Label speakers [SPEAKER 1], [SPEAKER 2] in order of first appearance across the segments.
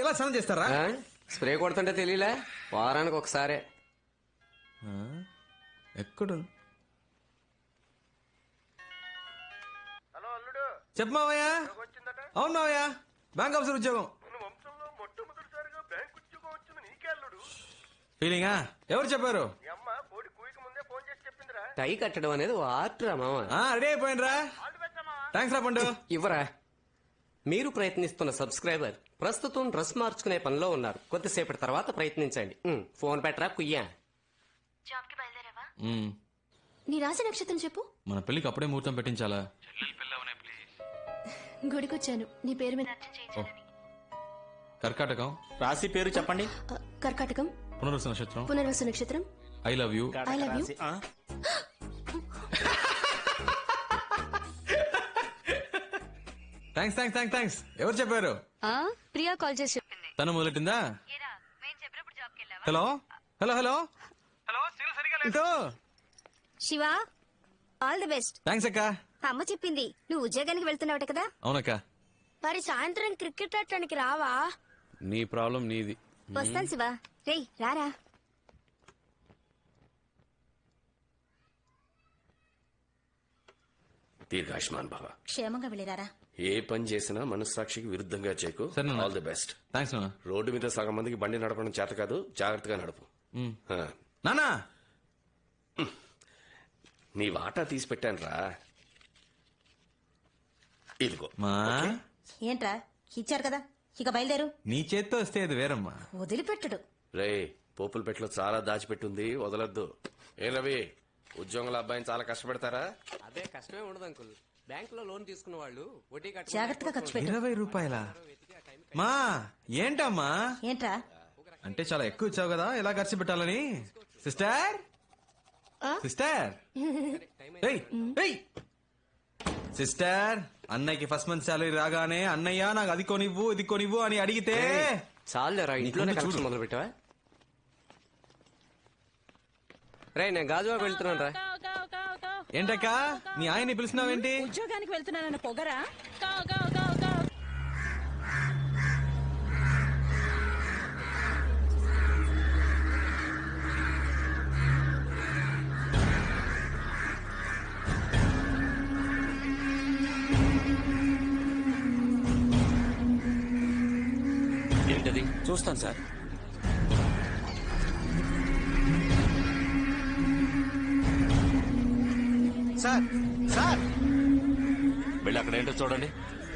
[SPEAKER 1] ఎలా స్నానం చేస్తారా?
[SPEAKER 2] స్ప్రే కొడుతుంటే తెలియలే, వారానికి ఒకసారే.
[SPEAKER 1] ఎక్కడ చెప్పు మావయ్య. అవును మావయ్య, బ్యాంక్ ఆఫీసర్ ఉద్యోగం. ఫీలింగా? ఎవరు చెప్పారు?
[SPEAKER 2] టై కట్టడం అనేది ఆర్ట్ రా మామ.
[SPEAKER 1] రెడీ అయిపోయినరా? థ్యాంక్స్ రా పండు.
[SPEAKER 2] ఇవ్వరా. మీరు ప్రయత్నిస్తున్న సబ్స్క్రైబర్ ప్రస్తుతం డ్రెస్ మార్చుకునే పనిలో ఉన్నారు. కొద్దిసేపటి తర్వాత ప్రయత్నించండి. ఫోన్ పెట్టరా కుయ్యా.
[SPEAKER 3] జాబ్ కి బయలుదేరావా?
[SPEAKER 4] నీ రాశి నక్షత్రం చెప్పు.
[SPEAKER 1] మన పెళ్లికి అప్పుడే ముహూర్తం పెట్టించాలా?
[SPEAKER 4] గుడికొచ్చాను నీ పేరు మీద అర్చన చేయించాలని.
[SPEAKER 1] కర్కాటకం.
[SPEAKER 5] రాశి పేరు చెప్పండి.
[SPEAKER 4] కర్కాటకం.
[SPEAKER 1] పునర్వసు నక్షత్రం.
[SPEAKER 4] పునర్వసు నక్షత్రం.
[SPEAKER 1] I love you.
[SPEAKER 4] I love you.
[SPEAKER 1] Thanks thanks thanks thanks. ఎవరు చెప్పారు?
[SPEAKER 4] ప్రియా కాల్ చేసి చెప్పింది.
[SPEAKER 1] తను మొదలెట్టిందా? Hello hello hello hello. ఇటు.
[SPEAKER 3] Shiva, all the best.
[SPEAKER 1] Thanks అక్క.
[SPEAKER 3] అమ్మ చెప్పింది నువ్వు ఉద్యోగానికి వెళ్తున్నావట కదా.
[SPEAKER 1] అవునక్క.
[SPEAKER 3] మరి సాయంత్రం క్రికెట్ ఆడటానికి రావా?
[SPEAKER 1] నీ ప్రాబ్లం నీది.
[SPEAKER 3] వస్తాను శివ. రేయ్ రారా.
[SPEAKER 6] దీర్ఘాయుష్మాన్ భవ.
[SPEAKER 3] క్షేమంగా వెళ్ళిరారా.
[SPEAKER 6] ఏ పని చేసినా మనస్సాక్షికి విరుద్ధంగా చేయకు. All the best.
[SPEAKER 1] థ్యాంక్స్ నాన్న.
[SPEAKER 6] రోడ్డు మీద సగం మందికి బండి నడపడం చేత కాదు, జాగ్రత్తగా నడుపు.
[SPEAKER 1] నానా,
[SPEAKER 6] నీ వాటా తీసి పెట్టాను రా. ఇదిగో.
[SPEAKER 1] మా
[SPEAKER 3] ఏంట్రా ఇచ్చారు కదా, ఇక బయలుదేరు.
[SPEAKER 1] నీ చేత్తో వస్తే అది వేరమ్మా.
[SPEAKER 3] వదిలిపెట్టడు.
[SPEAKER 6] రే, పోపుల పెట్టలో చాలా దాచిపెట్టుంది, వదలొద్దు. ఏ రవి, ఉద్యోగుల అబ్బాయిని చాలా కష్టపెడతారా?
[SPEAKER 2] అదే కష్టమే ఉండదు అంకుల్. బ్యాంక్ లో లోన్ తీసుకున్న వాళ్ళు వడ్డీ
[SPEAKER 3] జాగ్రత్తగా ఖర్చు పెట్టు.
[SPEAKER 1] 20 రూపాయల మా ఏంటమ్మా?
[SPEAKER 3] ఏంట్రా
[SPEAKER 1] అంటే చాలా ఎక్కువ ఇచ్చావు కదా, ఎలా ఖర్చు పెట్టాలని. సిస్టర్ సిస్టర్ సిస్టర్, అన్నయ్యకి ఫస్ట్ మంత్ శాలరీ రాగానే అన్నయ్య నాకు అది కొనివ్వు ఇది కొనివ్వు అని అడిగితే
[SPEAKER 2] చాలు రా, ఇంట్లోనే కలెక్షన్ మొదలు పెట్టావా? రే, నేను గాజువాకు వెళ్తున్నాను రా.
[SPEAKER 1] ఏంటక్క నీ ఆయన్ని పిలుస్తున్నావేంటి?
[SPEAKER 7] ఉద్యోగానికి వెళ్తున్నానన్న పొగరా?
[SPEAKER 6] ఏంటది?
[SPEAKER 5] చూస్తాను సార్.
[SPEAKER 6] సార్ సార్, వెళ్ళి అక్కడ ఏంటో చూడండి.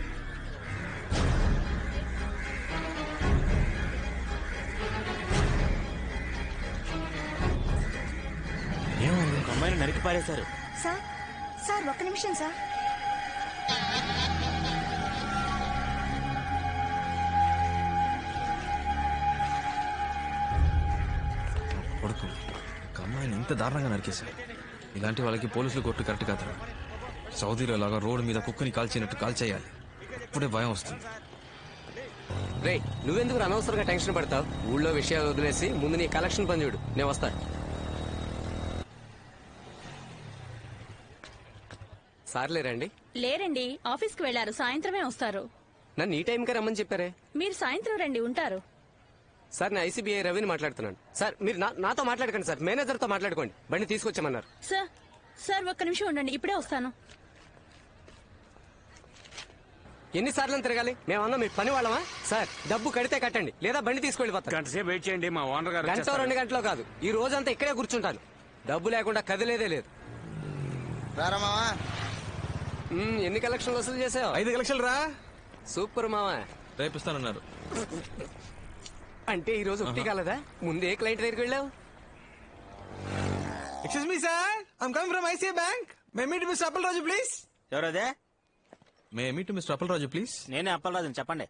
[SPEAKER 5] ఒక అమ్మాయిని నరికి పారేశారు.
[SPEAKER 3] సార్ సార్ ఒక్క నిమిషం సార్.
[SPEAKER 1] కొడుకు ఒక అమ్మాయిని ఇంత దారుణంగా నరికేశారు. ఇలాంటి వాళ్ళకి పోలీసులు కొట్టు కరెక్ట్ కాదు. సౌదీలో లాగా రోడ్డు మీద కుక్కని కాల్చినట్టు కాల్చేయాలి, అప్పుడే భయం వస్తుంది.
[SPEAKER 2] రే, నువ్వెందుకు అనవసరంగా టెన్షన్ పడతావు? ఊళ్ళో విషయాలు వదిలేసి ముందు నీ కలెక్షన్ పని చూడు. నేను వస్తా. సార్లే రండి.
[SPEAKER 7] లేరండి, ఆఫీస్ కి వెళ్లారు, సాయంత్రమే వస్తారు.
[SPEAKER 2] నన్ను ఈ టైంకే రమ్మని చెప్పారే.
[SPEAKER 7] మీరు సాయంత్రం రండి, ఉంటారు.
[SPEAKER 2] సార్, నేను ఐసీబీఐ రవిని మాట్లాడుతున్నాను. సార్, మీరు నాతో మాట్లాడకండి సార్, మేనేజర్తో మాట్లాడుకోండి. బండి తీసుకొచ్చామన్నారు.
[SPEAKER 7] సార్ ఒక్క నిమిషం ఉండండి, ఇప్పుడే వస్తాను.
[SPEAKER 2] ఎన్నిసార్లు తిరగాలి? మేమన్నా మీ పని వాళ్ళమా? సార్, డబ్బు కడితే కట్టండి, లేదా బండి తీసుకెళ్ళిపోతాను.
[SPEAKER 5] గంటసేపు వెయిట్ చేయండి, మా ఓనర్ గారు.
[SPEAKER 2] గంట 2 గంటలో కాదు, ఈ రోజంతా ఇక్కడే కూర్చుంటాను. డబ్బు లేకుండా కదిలేదే లేదు. ఎన్ని కలెక్షన్లు వసూలు చేసావు?
[SPEAKER 1] 5 లక్షలు రా.
[SPEAKER 2] సూపర్ మావా.
[SPEAKER 1] రేపిస్తానన్నారు.
[SPEAKER 2] అంటే ఈ రోజు ఒకటి కాలదా? ముందే క్లయింట్ దగ్గరికి వెళ్ళావు.
[SPEAKER 1] Excuse me sir, I'm coming from ICI bank. May meet mister Appalaraju please.
[SPEAKER 5] ఎవరదే?
[SPEAKER 1] May meet mister Appalaraju please.
[SPEAKER 5] నేనే అప్పలరాజుని, చెప్పండి.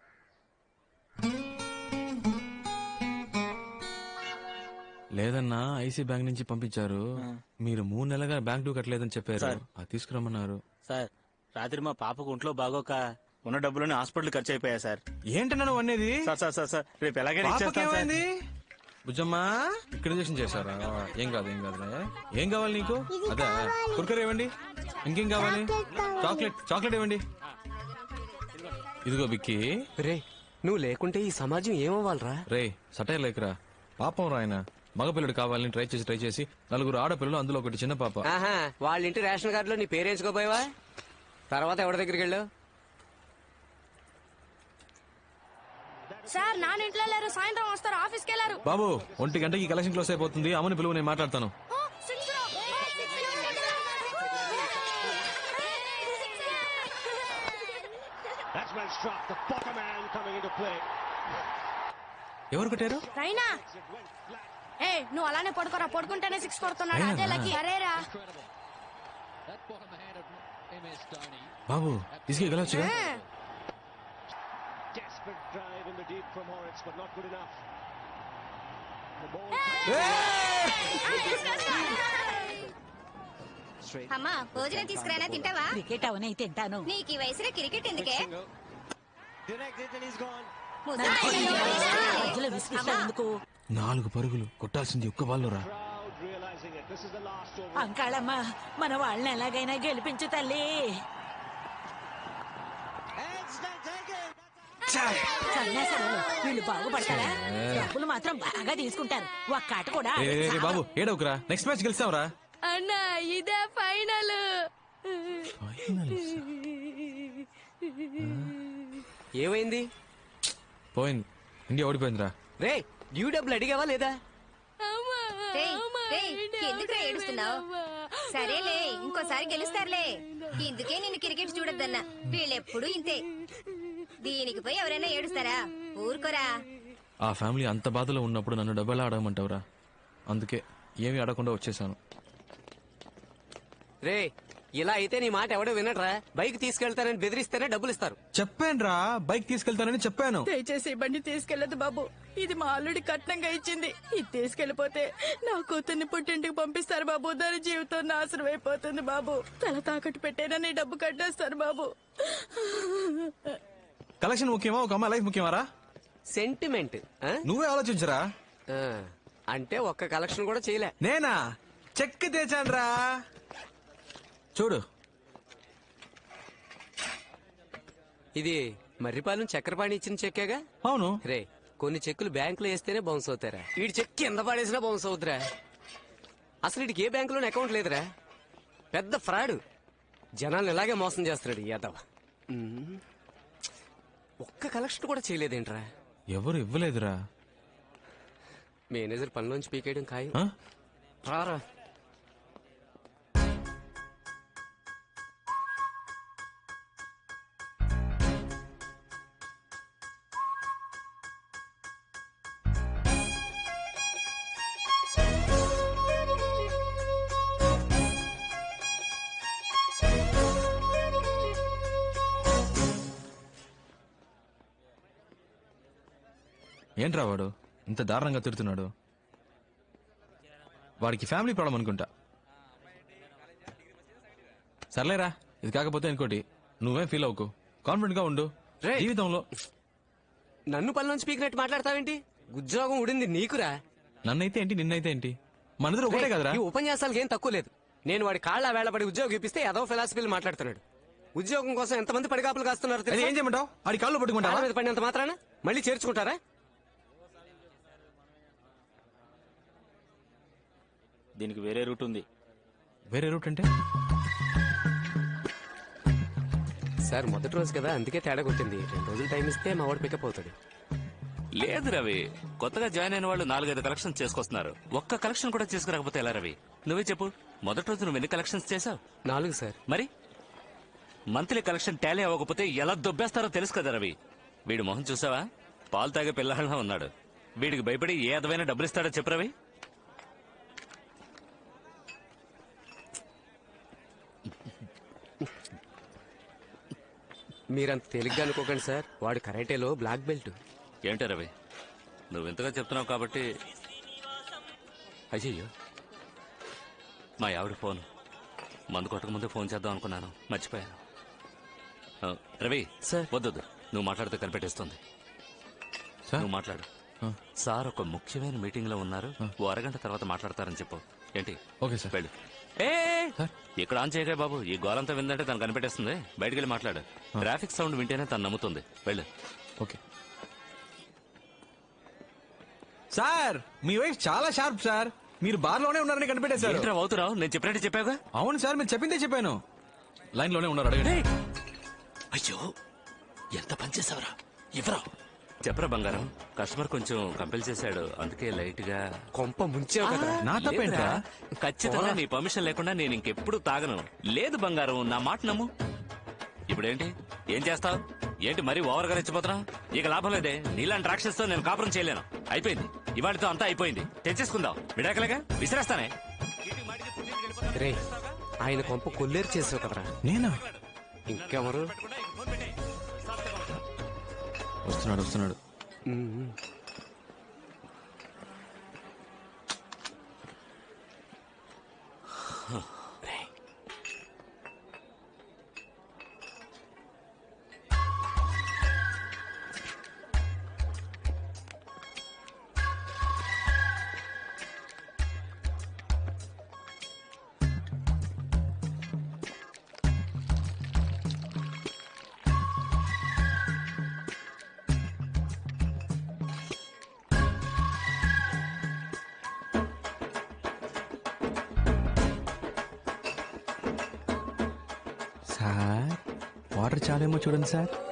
[SPEAKER 1] లేదన్నా, ఐసీ బ్యాంక్ నుంచి పంపించారు. మీరు 3 నెలలుగా బ్యాంక్ డ్యూ కట్టలేదని చెప్పారు, అది తీసుకురమ్మన్నారు.
[SPEAKER 5] సార్, రాత్రి మా పాపకు ఒంట్లో బాగోక ఉన్న డబ్బులని హాస్పిటల్ ఖర్చు అయిపోయా సార్.
[SPEAKER 1] ఏంటన్నా నువ్వు అనేది?
[SPEAKER 5] సార్ రేపు ఎలాగైనా ఇచ్చేస్తాను సార్.
[SPEAKER 1] బుజ్జమ్మా, ఇక్కడ చేశారా? ఏం కాదు ఏం కాదులే. ఏం కావాలి నీకు? అదే కుర్కర్ ఇవ్వండి. ఇంకేం కావాలి? చాక్లెట్ ఇవ్వండి. ఇదిగో బిక్కి.
[SPEAKER 2] రే, నువ్వు లేకుంటే ఈ సమాజం ఏమవ్వాలరా?
[SPEAKER 1] రే సటైర్ లేకరా, పాపం రాయన మగపిల్లడు కావాలని ట్రై చేసి నలుగురు ఆడపిల్లలు, అందులో ఒకటి చిన్న పాప.
[SPEAKER 2] ఆహా, వాళ్ళ ఇంటి రేషన్ కార్డులో నీ పేరేంచుకోపోయావా? తర్వాత ఎవరి దగ్గరికి వెళ్ళావు?
[SPEAKER 4] సార్ నాన్న ఇంట్లో లేరు, సాయంత్రం వస్తారు, ఆఫీస్కి వెళ్ళారు.
[SPEAKER 1] బాబు 1 గంటకి కలెక్షన్ క్లోజ్ అయిపోతుంది, అమ్మని పిలువు, నేను మాట్లాడతాను. ఎవరు కొట్టారు?
[SPEAKER 4] రైనా ఏ నువ్వు అలానే పడుకోరా, పడుకుంటేనే 6 కొడుతున్నాడు. అదే లక్కీ. అరేరా
[SPEAKER 1] బాబు తీసుకెళ్ళొచ్చుగా.
[SPEAKER 3] అమ్మా భోజనం తీసుకురానా, తింటావా?
[SPEAKER 8] క్రికెట్ అవనే తింటాను.
[SPEAKER 3] నీకు ఈ వయసులో క్రికెట్ ఎందుకే?
[SPEAKER 8] మధ్యలో విసిగిస్తావు ఎందుకు?
[SPEAKER 1] 4 పరుగులు కొట్టాల్సింది ఒక్క బాల్లోరా.
[SPEAKER 8] అంకాళమ్మ మన వాళ్ళని ఎలాగైనా గెలిపించు తల్లి. సన్యాసాలు వీళ్ళు బాగుపడతారా? డబ్బులు మాత్రం బాగా తీసుకుంటారు. ఒక్క ఆట కూడా
[SPEAKER 1] ఏ, ఏ, ఏ, బాబు ఏడవకురా, నెక్స్ట్ మ్యాచ్ గెలిచావురా.
[SPEAKER 4] అన్నా ఇదే ఫైనల్.
[SPEAKER 2] ఏమైంది?
[SPEAKER 1] పోయింది, ఇండియా ఓడిపోయిందిరా.
[SPEAKER 2] రే డ్యూ డబ్బులు అడిగావా లేదా?
[SPEAKER 3] ఎందుకు ఏడుస్తున్నావు? సరేలే, ఇంకోసారి గెలుస్తారులే. ఇందుకే నిన్ను క్రికెట్ చూడొద్దన్నా. వీళ్ళెప్పుడు ఇంతే. దీనికి పోయి ఎవరైనా ఏడుస్తారా? ఊరుకోరా.
[SPEAKER 1] ఆ ఫ్యామిలీ అంత బాధలో ఉన్నప్పుడు నన్ను డబ్బులా ఆడమంటావురా? అందుకే ఏమీ ఆడకుండా వచ్చేసాను.
[SPEAKER 2] రే ఇలా అయితే నీ మాట ఎవడో వినట్రా. బైక్ తీసుకెళ్తానని బెదిరిస్తేనే డబ్బులు ఇస్తారు.
[SPEAKER 1] చెప్పానురా, బైక్ తీసుకెళ్తానని చెప్పాను.
[SPEAKER 7] దయచేసి ఈ బండి తీసుకెళ్లదు బాబు. ఇది మా అల్లుడి కట్నంగా ఇచ్చింది. ఇది తీసుకెళ్లిపోతే నా కూతుర్ని పుట్టింటికి పంపిస్తారు బాబు. దాని జీవితం నాశనం అయిపోతుంది బాబు. తల తాకట్టు పెట్టైనా నీ డబ్బు కట్టేస్తారు బాబు.
[SPEAKER 1] కలెక్షన్ ముఖ్యమా, ఒక అమ్మాయి లైఫ్ ముఖ్యమారా?
[SPEAKER 2] సెంటిమెంట్ ఆ?
[SPEAKER 1] నువ్వే ఆలోచించరా.
[SPEAKER 2] ఆ, అంటే ఒక్క కలెక్షన్ కూడా చేయలే.
[SPEAKER 1] నేనా చెక్ తెచ్చానురా, చూడు.
[SPEAKER 2] ఇది మర్రిపాలెం చక్రపాణి ఇచ్చిన చెక్కేగా?
[SPEAKER 1] అవును.
[SPEAKER 2] రే కొన్ని చెక్కులు బ్యాంకులో వేస్తేనే బౌన్స్ అవుతారా? వీడి చెక్ కింద పడేసినా బౌన్స్ అవుతురా. అసలు వీడికి ఏ బ్యాంకులోనే అకౌంట్ లేదురా. పెద్ద ఫ్రాడ్. జనాలు ఇలాగే మోసం చేస్తున్నాడు యాదవ్. ఒక్క కలెక్షన్ కూడా చేయలేదేంట్రా?
[SPEAKER 1] ఎవరు ఇవ్వలేదురా.
[SPEAKER 2] మేనేజర్ పనిలోంచి పీకేయడం ఖాయం.
[SPEAKER 1] ఆ?
[SPEAKER 2] రారా.
[SPEAKER 1] ఏంట్రా వాడు ఇంత దారుణంగా తిడుతున్నాడు? వాడికి ఫ్యామిలీ ప్రాబ్లం అనుకుంటా. సర్లేరా, ఇది కాకపోతే ఇంకోటి. నువ్వేం ఫీల్ అవ్వకు, కాన్ఫిడెంట్ గా ఉండు.
[SPEAKER 2] రేయ్.
[SPEAKER 1] జీవితంలో
[SPEAKER 2] నన్ను పనిలోంచి పీకినట్టు మాట్లాడతావేంటి? ఉద్యోగం ఉడింది నీకురా.
[SPEAKER 1] నన్నైతే ఏంటి, నిన్నైతే ఏంటి, మనదిలో ఒకటే కదరా.
[SPEAKER 2] ఈ ఉపన్యాసాలకు ఏం తక్కువ లేదు. నేను వాడి కాళ్ళ వేళపడి ఉద్యోగం ఇప్పిస్తే ఏదో ఫిలాసఫీలు మాట్లాడుతున్నాడు. ఉద్యోగం కోసం ఎంతమంది పడిగాపులు కాస్తున్నారు
[SPEAKER 1] అది
[SPEAKER 2] తెలుసా?
[SPEAKER 1] ఏం చేయమంటావు? ఆడి కాళ్ళు పట్టుకుంటా.
[SPEAKER 2] కాళ్ళ మీద పడినంత మాత్రాన మళ్ళీ చేర్చుకుంటారా?
[SPEAKER 5] దీనికి వేరే రూట్ ఉంది.
[SPEAKER 1] వేరే రూట్ అంటే?
[SPEAKER 2] సార్ మొదటి రోజు కదా, అందుకే తేడా కొట్టింది. 2 రోజులు టైం ఇస్తే మా వాడు పికప్ అవుతాడు.
[SPEAKER 9] లేదు రవి, కొత్తగా జాయిన్ అయిన వాళ్ళు 4-5 కలెక్షన్ చేసుకొస్తున్నారు. ఒక్క కలెక్షన్ కూడా చేసుకురాకపోతే ఎలా రవి? నువ్వే చెప్పు, మొదటి రోజు నువ్వు ఎన్ని కలెక్షన్స్ చేసావు?
[SPEAKER 2] 4 సార్.
[SPEAKER 9] మరి మంత్లీ కలెక్షన్ టాలీ అవ్వకపోతే ఎలా దొబ్బేస్తారో తెలుసు కదా రవి. వీడి మొహం చూసావా? పాలు తాగే పిల్లలా ఉన్నాడు. వీడికి భయపడి ఏ అదమైన డబ్బులు ఇస్తాడో చెప్పు రవి.
[SPEAKER 2] మీరంత తేలిగ్గా అనుకోకండి సార్. వాడు కరాటేలో బ్లాక్ బెల్ట్.
[SPEAKER 9] ఏంటో రవి, నువ్వు ఇంతగా చెప్తున్నావు కాబట్టి. అయ్యయ్యో, మా ఆవిడ ఫోన్. మందు కొట్టక ముందే ఫోన్ చేద్దాం అనుకున్నాను, మర్చిపోయాను. రవి
[SPEAKER 2] సార్.
[SPEAKER 9] వద్దొద్దు, నువ్వు మాట్లాడితే కనిపెట్టేస్తుంది.
[SPEAKER 1] సార్?
[SPEAKER 9] నువ్వు మాట్లాడు. సార్ ఒక ముఖ్యమైన మీటింగ్ లో ఉన్నారు, ఓ అరగంట తర్వాత మాట్లాడతారని చెప్పు. ఏంటి?
[SPEAKER 1] Okay sir.
[SPEAKER 9] వెళ్ళు. ఏ ఇక్కడ ఆన్ చేయగా బాబు, ఈ గోలంతా విందంటే తను కనిపెట్టేస్తుంది. బయటికి వెళ్ళి మాట్లాడు. ట్రాఫిక్ సౌండ్ వింటేనే తను నమ్ముతుంది. వెళ్ళు.
[SPEAKER 1] ఓకే. సార్ మీ వైఫ్ చాలా షార్ప్ సార్. మీరు బార్ లోనే ఉన్నారని కనిపెట్టేశారు.
[SPEAKER 9] ఏంట్రా అవుతురావు? నేను చెప్పినట్టు చెప్పావుగా.
[SPEAKER 1] అవును సార్, మీరు చెప్పిందే చెప్పాను. లైన్ లోనే ఉన్నారు, అడగండి.
[SPEAKER 9] అయ్యో ఎంత పనిచేసావరా? ఇవ్వరా చెప్పరా బంగారం. కస్టమర్ కొంచెం కంపెల్ చేశాడు, అందుకే లైట్ గా
[SPEAKER 2] కొంప ముంచావు కదా.
[SPEAKER 1] నా తప్పేంట్రా?
[SPEAKER 9] ఖచ్చితంగా నీ పర్మిషన్ లేకుండా నేను ఇంకెప్పుడు తాగను. లేదు బంగారం, నా మాట నమ్ము. ఇప్పుడేంటి ఏం చేస్తావు? ఏంటి మరీ ఓవర్ గా రెచ్చిపోతున్నావు? ఇక లాభం లేదే. నీలాంటి రాక్షసుతో నేను కాపురం చేయలేను. అయిపోయింది, ఇవాళతో అంతా అయిపోయింది. తెచ్చేసుకుందాం. విడాకలేగా విసిరేస్తానే.
[SPEAKER 2] రే, ఆయన కొంప కొల్లేరు చేసావు కదరా.
[SPEAKER 1] నేనా?
[SPEAKER 2] ఇంకెవరు?
[SPEAKER 1] వస్తున్నాడు వస్తున్నాడు. సార్ వాటర్ చాలేమో చూడండి సార్.